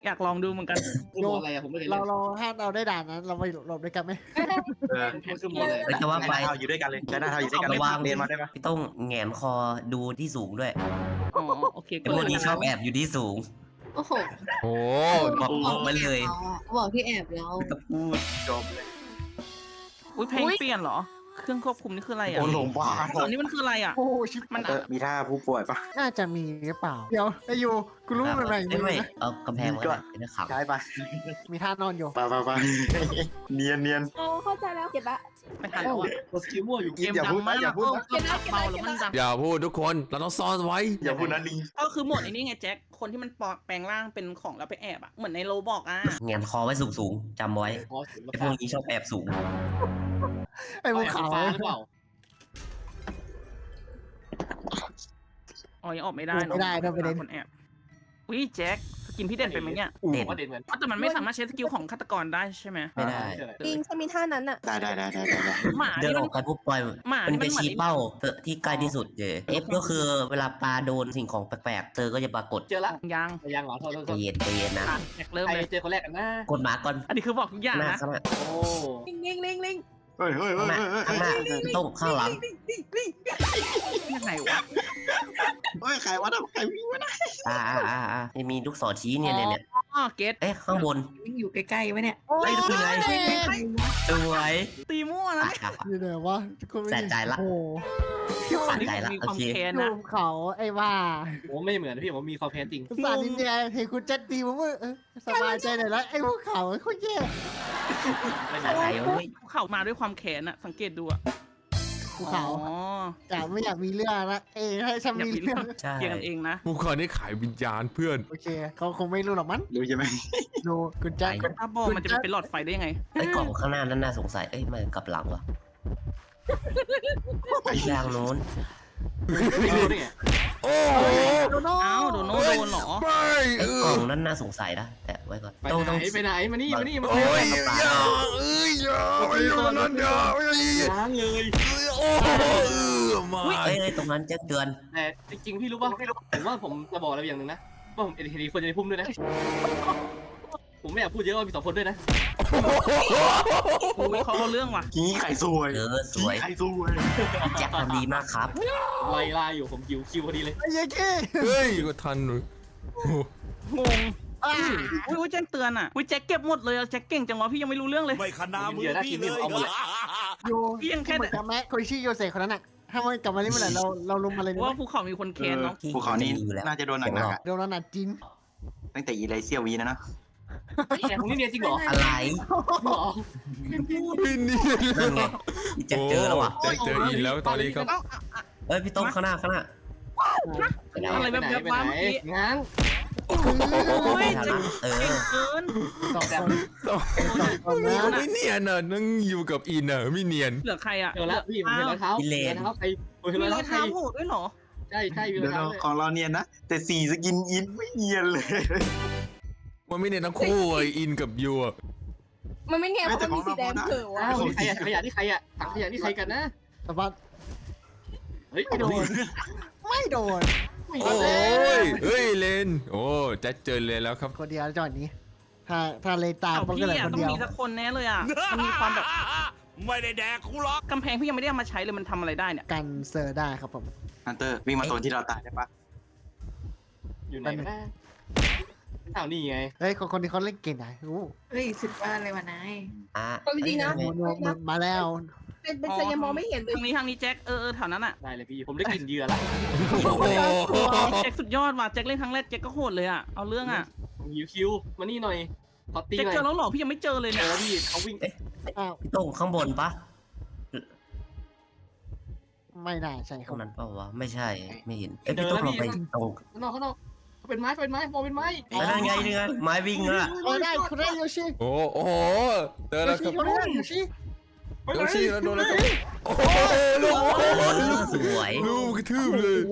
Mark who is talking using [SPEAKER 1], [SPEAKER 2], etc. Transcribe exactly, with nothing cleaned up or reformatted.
[SPEAKER 1] อยากลองดูเหมือนกัน
[SPEAKER 2] คือหมออะไรอะผมไม่เคย
[SPEAKER 3] เรา
[SPEAKER 2] เล่น
[SPEAKER 3] เราถ้าเราได้ด่านนั้นเราไปหลบด้วยกันไหม
[SPEAKER 4] เออ
[SPEAKER 2] มันคือหมออะไร
[SPEAKER 5] เฮ้ยแต่ว่าไป
[SPEAKER 4] หน้าเท้าอยู่ด้วยกันเลยใช้หน้าเท้าอยู่ด้วยกันเลย
[SPEAKER 5] ระวัง
[SPEAKER 4] เรียนมาได้ปะ
[SPEAKER 5] พี่ต้องแหงนคอดูที่สูงด้วย
[SPEAKER 1] อ๋อโอเค
[SPEAKER 5] ไอ้พวกนี้ชอบแอบอยู่ที่สูง
[SPEAKER 6] โอ้โห
[SPEAKER 7] โอ้
[SPEAKER 5] บอกบอกมาเลย
[SPEAKER 6] บอกที่แอบเรา
[SPEAKER 5] ก็พูด
[SPEAKER 4] จบเลย
[SPEAKER 1] อุ้ยเพลงเปลี่ยนเหรอ เครื่องควบคุมนี่คืออะไรอ่ะ
[SPEAKER 4] โอ้หลงบ้า
[SPEAKER 1] ตอนนี้มันคืออะไรอ่ะ
[SPEAKER 3] โอ้ชิบ
[SPEAKER 1] มัน
[SPEAKER 4] เอ
[SPEAKER 1] อ่ะ
[SPEAKER 4] อมีท่าผู้ป่วยปะ
[SPEAKER 3] น่าจะมีหรือเปล่าเดี๋ยวไอ้ยูกูรู้มันแบ่ง
[SPEAKER 5] ไม่
[SPEAKER 3] มือ
[SPEAKER 5] ไม่
[SPEAKER 3] นะ
[SPEAKER 5] เอากำแพงไว้นะเป็นขับ
[SPEAKER 4] ใช้ปะ
[SPEAKER 3] มีท่านอนอยู่
[SPEAKER 4] ปะปะปะเนียนเนียน
[SPEAKER 6] โอ้เข้าใจแล้วเก็บละ
[SPEAKER 1] ไม่ทันแล้วอ่ะ
[SPEAKER 2] กดสกิลมั่วอยู่
[SPEAKER 1] เกมดังมาก
[SPEAKER 4] อย่าพูดนะ
[SPEAKER 1] เออเบาแล้วมันดัง
[SPEAKER 7] อย่าพูดทุกคนเราต้องซ่อนไว้
[SPEAKER 4] อย่าพูดนะลิง
[SPEAKER 1] ก็คือหมดไอ้นี่ไงแจ็คคนที่มันปลอดแปลงร่างเป็นของแล้วไปแอบอ่ะเหมือนในโรบอกอ่ะ
[SPEAKER 5] แหงนคอไว้สูงสูงๆจำไว้
[SPEAKER 2] พอสุด
[SPEAKER 5] ไอ้พวกนี้ชอบแอบสูง
[SPEAKER 3] ไอ้ภูเขา
[SPEAKER 2] ฟ้าหรือเปล่า
[SPEAKER 1] อ๋อยังออกไม่ได้เนอะ
[SPEAKER 3] ไม่ได้ด้วยประเด็น
[SPEAKER 1] คนแอบอุ้ยแจ็คสกินพี่เด่นเป็นไหมเนี่ย
[SPEAKER 5] เด่น
[SPEAKER 2] ว่าเด่นเหมือน
[SPEAKER 1] อ๋อแต่มันไม่สามารถใช้สกิลของฆาตกรได้ใช่ไหม
[SPEAKER 5] ไม่ได้
[SPEAKER 6] จริงฉันมีท่านั้นอ่ะ
[SPEAKER 4] ได้ได้ได้ได้ได้
[SPEAKER 1] หมา
[SPEAKER 5] เดิน
[SPEAKER 1] นี่
[SPEAKER 5] อ
[SPEAKER 1] มั
[SPEAKER 5] อนกไปปุ๊บปล่อย
[SPEAKER 1] หมา
[SPEAKER 5] มัน
[SPEAKER 1] นี่
[SPEAKER 5] ไป
[SPEAKER 1] มันเหมือน
[SPEAKER 5] ชี้เป้าเตอที่ใกล้ที่สุดเจเอฟก็คือเวลาปลาโดนสิ่งของแปลกๆเธอก็จะปรากฏ
[SPEAKER 2] เจอละ
[SPEAKER 1] ยัง
[SPEAKER 2] ยังเหรอโทษโทษ
[SPEAKER 5] ใจ
[SPEAKER 2] โทษ
[SPEAKER 5] เย็นใจเย็นนะ
[SPEAKER 1] อ่ะแจ็คเริ่ม
[SPEAKER 2] ใคร
[SPEAKER 1] เลย
[SPEAKER 2] เจอคนแรกกันนะ
[SPEAKER 5] กดหมาก่อน
[SPEAKER 1] อันนี้คือบอกทุกอย่าง
[SPEAKER 5] หน้า
[SPEAKER 1] นะ
[SPEAKER 5] ข้างหน้า
[SPEAKER 2] โอ้
[SPEAKER 6] ลิงลิงลิงลิง
[SPEAKER 4] เฮ้ยเฮ้ยเฮ้
[SPEAKER 5] ข้าย งหน้า
[SPEAKER 4] เฮ้ย
[SPEAKER 5] ข้างหน้าพี่ต้องข้างหลัง
[SPEAKER 1] ยังไงวะ
[SPEAKER 4] เฮ้ยใครวะนะใครวิ่งมาได้
[SPEAKER 5] อ่าอ่าอ่าอ่ามีลูกศรชี้เนี่ยเนี่ยเนี่ย
[SPEAKER 1] อ๋อเกต
[SPEAKER 5] เอ๊ะข้างบน
[SPEAKER 6] วิ่งอยู่ใกล้ๆไว้เนี่ย
[SPEAKER 5] ไอ้ดูไงสวย
[SPEAKER 1] ตีมั่วนะ
[SPEAKER 5] อ่ะ
[SPEAKER 1] เนี่ย
[SPEAKER 5] อ่ะ
[SPEAKER 3] อยู่ไหนวะทุกคนไม่
[SPEAKER 5] แสบใจละ
[SPEAKER 3] โอ้โห
[SPEAKER 5] สะใจละ
[SPEAKER 1] มีค
[SPEAKER 5] โอ
[SPEAKER 1] วาม
[SPEAKER 5] เค
[SPEAKER 1] แค้น
[SPEAKER 3] รู
[SPEAKER 1] นะ
[SPEAKER 3] ปเขาไอ้ว่า
[SPEAKER 2] ผมไม่เหมือนพี่ผมมีคอมเพลนจริง
[SPEAKER 3] สารนินแดงเห็นคุณเจ็ดตีผมว่าเออสบายใจหน่อยแล้วไอ้ภูเขาไอ้คนแย่
[SPEAKER 5] สะใจเว้ย
[SPEAKER 1] เข่ามาด้วยความแค้นอะสังเกตดูอะ
[SPEAKER 3] ภูเขา
[SPEAKER 1] อ๋อ
[SPEAKER 3] แต่ไม่อยากมีเรื่องนะเอ้ยให้ฉัน
[SPEAKER 1] อยาก
[SPEAKER 3] มี
[SPEAKER 1] มี
[SPEAKER 3] เรื่
[SPEAKER 1] เรื่
[SPEAKER 3] อ
[SPEAKER 1] อง ง
[SPEAKER 5] ใช่
[SPEAKER 1] เคลียร์กันเองนะ
[SPEAKER 7] พวกเขานี่ขายวิญญาณเพื่อน
[SPEAKER 3] โอเคเขาคงไม่รู้หรอกมั้ง
[SPEAKER 4] รู้ใช่ไหม
[SPEAKER 3] ดูคุณแจ็ค
[SPEAKER 1] ถ้าบอกมันจะไปเป็นหลอดไฟได้ยังไง
[SPEAKER 5] ไอ้กล่องข้างหน้านั้นน่าสงสัยเอ้ยมันกลับหลังวะไปทางโน้น
[SPEAKER 2] ไม่รู้ได้ไง
[SPEAKER 7] โอ้โห
[SPEAKER 3] โดน
[SPEAKER 1] อ้าวโดนโนโดนเหรอ
[SPEAKER 7] ไม่
[SPEAKER 5] ไอ้
[SPEAKER 7] เอก
[SPEAKER 5] ล่
[SPEAKER 7] อ
[SPEAKER 5] องนั้นน่าสงสัยนะแต่ไว้ก่อน
[SPEAKER 2] ไป
[SPEAKER 5] ต้อง
[SPEAKER 2] ไหน
[SPEAKER 5] ต้อง
[SPEAKER 2] ไปไหนมานี่มานี่มา
[SPEAKER 7] โอ้
[SPEAKER 2] นี่
[SPEAKER 7] ยอย่าเอ้ยอย่าไม่อยู่ตรงนั้นอย่าไม่
[SPEAKER 2] ล้างเลย
[SPEAKER 7] โอ้โหมา
[SPEAKER 5] เอ้ยเอ้ยตรงนั้นแจ็คเตือน
[SPEAKER 2] แต่จริงๆพี่รู้ป่ะผมว่าผมจะบอกอะไรอย่างหนึ่งนะว่าผมเอ็นทีควรจะในพุ่มด้วยนะผมไม่อยากพูดเยอะว่ามีสองคนด้วยนะ
[SPEAKER 1] อุ้ยเขาเอาเรื่องว่ะ
[SPEAKER 4] กี้ไข่สวย
[SPEAKER 5] เออสวย
[SPEAKER 4] ไข่สวย
[SPEAKER 5] แจ็คทำดีมากครับ
[SPEAKER 2] ไล่ล่าอยู่ผมคิวคิวพอดีเลย
[SPEAKER 3] ไอ้ยัยเก้
[SPEAKER 7] เฮ้ยก็ทันเลยโอ้โห
[SPEAKER 1] งงอุ้ยอุ้ยแจ็คเตือนอ่ะอุ้ยแจ็คเก็บหมดเลยอะแจ็คเก่งจังวะพี่ยังไม่รู้เรื่องเลย
[SPEAKER 8] ไม่ขนามือพี่เลย
[SPEAKER 3] ยู
[SPEAKER 1] พี่ยังแค่
[SPEAKER 3] เหมือนกับแม่คนชื่อโยเซฟคนนั้นอ่ะถ้ามันกลับมาเล่นเมื่อไหร่เราเราลุมมาเลย
[SPEAKER 1] ว่าภูเขามีคนแค้นเนาะ
[SPEAKER 4] ภูเขานี้น่าจะโดนหนักๆอะ
[SPEAKER 3] โดนเราหนักจริง
[SPEAKER 4] ตั้งแต่อีไลเซียวีนะเนาะ
[SPEAKER 2] แต่ผมนี่เนียนจริงเหรอ
[SPEAKER 5] อะไร
[SPEAKER 2] หรอ
[SPEAKER 7] พี่นี่
[SPEAKER 5] นั่นไงพี่แจ็คเจอแล้วว่ะ
[SPEAKER 7] โแจ็คเจออีกแล้วตอนนี้ครับ
[SPEAKER 5] เอ้ยพี่ต้องข้างหน้าข้างหน้าไปแล้ว
[SPEAKER 1] อะไร
[SPEAKER 2] ไป
[SPEAKER 1] แบบ
[SPEAKER 2] ไหน
[SPEAKER 1] แบบ
[SPEAKER 2] ไป
[SPEAKER 1] ว่า
[SPEAKER 2] ไหน
[SPEAKER 1] เมื่อกี้
[SPEAKER 2] ง้าง
[SPEAKER 5] โอ้โห
[SPEAKER 1] ย
[SPEAKER 5] ไม่ทันละเออ
[SPEAKER 1] เก่งเกิน
[SPEAKER 3] สองคน
[SPEAKER 7] ไม่เนียนอ่ะนั่งอยู่กับอินอ่ะไม่เนียน
[SPEAKER 1] เหลือใครอ่ะ
[SPEAKER 2] เดี๋ยวละพี่ผมเห็นรองเท้าเห็นรองเท้าใครผมเห็น
[SPEAKER 1] มี
[SPEAKER 2] รอง
[SPEAKER 1] รอ
[SPEAKER 2] เท้าง ใคร
[SPEAKER 1] เท้าโหดด้วยเหรอ
[SPEAKER 2] ใช่ใช่มีร
[SPEAKER 4] เดี๋
[SPEAKER 2] อย ง
[SPEAKER 4] ว
[SPEAKER 2] เท้า
[SPEAKER 4] ของเราเนียนนะ แต่สีสกินอินไม่เนียนเลย
[SPEAKER 7] มันไม่เนียนทั้งคู่ไออินกับยูอ่ะ
[SPEAKER 6] มันไม่แง่เพราะมันมีสีแดงเผอวะ
[SPEAKER 2] อ้าวนี่ใครอะขยะนี่ใครอะถังขยะนี่ใครกันนะ
[SPEAKER 3] แต่ว่า
[SPEAKER 2] เฮ้ย
[SPEAKER 3] ไม่โดนไม่โดน
[SPEAKER 7] โอ้ยเฮ้ยเลนโอ้แจ็คเจอเลนแล้วครับ
[SPEAKER 3] คนเดียวจอดนี้ ถ้าถ้าเลยตาม
[SPEAKER 1] เอา
[SPEAKER 3] มัน
[SPEAKER 1] พี่
[SPEAKER 3] ก็เลย
[SPEAKER 1] อ่ะ
[SPEAKER 3] คน
[SPEAKER 1] ต้อง
[SPEAKER 3] เดียว
[SPEAKER 1] มีสักคนแน่เลยอ่ะมันมีความแบบ
[SPEAKER 8] ไม่ได้แดกกูหรอก
[SPEAKER 1] กำแพงพี่ยังไม่ได้เอามาใช้เลยมันทำอะไรได้เนี่ย
[SPEAKER 3] กันเซอร์ได้ครับผม
[SPEAKER 4] ฮันเตอร์วิ่งมาโซนที่เราตายได้ปะ
[SPEAKER 2] อยู่ไหนกันนะอ้าวนี่ไง
[SPEAKER 3] เฮ้ยคนคนนี้เขาเล่นเก่งนะอู้
[SPEAKER 6] เฮ้ยสุดบ้านเลยว่ะนาย
[SPEAKER 5] อ่ะ
[SPEAKER 6] เอาจริงๆนะ
[SPEAKER 3] โมโนมันมาแล้ว
[SPEAKER 6] เป็นเป็นสัญญามองไม่เห็นเลย
[SPEAKER 1] ทางนี้ทางนี้แจ็คเออเออแถวนั้นอ่ะ
[SPEAKER 2] ได้เลยพี่ผมได้กลิ่นเหยื่อละ
[SPEAKER 7] โอ้โห
[SPEAKER 1] แจ็คสุดยอดว่ะแจ็คเล่นครั้งแรกแจ็คก็โหดเลยอ่ะเอาเรื่องอ่ะ
[SPEAKER 2] ผมหิวคิวมานี่หน่อยขอตี
[SPEAKER 1] แจ็ค
[SPEAKER 2] หน่อย
[SPEAKER 1] เจอแล้วเหรอพี่ยังไม่เจอเลย
[SPEAKER 2] เจ
[SPEAKER 1] เนี่ย
[SPEAKER 2] อพี่เขาวิ่ง
[SPEAKER 3] อ้าว
[SPEAKER 5] พี่ต้องข้างบนปะ
[SPEAKER 3] ไม่น่าใช่ค
[SPEAKER 5] ต
[SPEAKER 3] รั
[SPEAKER 5] ร
[SPEAKER 3] บ
[SPEAKER 5] งนั้นเปล่าวะไม่ใช่ไม่เห็นเอ้ยพี่ต้องลงไปตรง
[SPEAKER 2] ข้างนอกข้างนอกเขาเป็นไม้เขาเป็นไม้มองเป็นไม้
[SPEAKER 5] แล้วนั่นไงนี่ไงไม้วิ่งอ่ะ
[SPEAKER 3] เออได้คุณได้โยชิ
[SPEAKER 7] โอ้โหเจอ
[SPEAKER 3] โย
[SPEAKER 7] แล้วค
[SPEAKER 3] ชิ
[SPEAKER 7] รับ
[SPEAKER 3] เขาได้โยชิ
[SPEAKER 7] โดนชี้แล้วโดนแล้วครับโอ้โหลูก
[SPEAKER 5] เออสวย
[SPEAKER 7] ลูกกระทืบเลย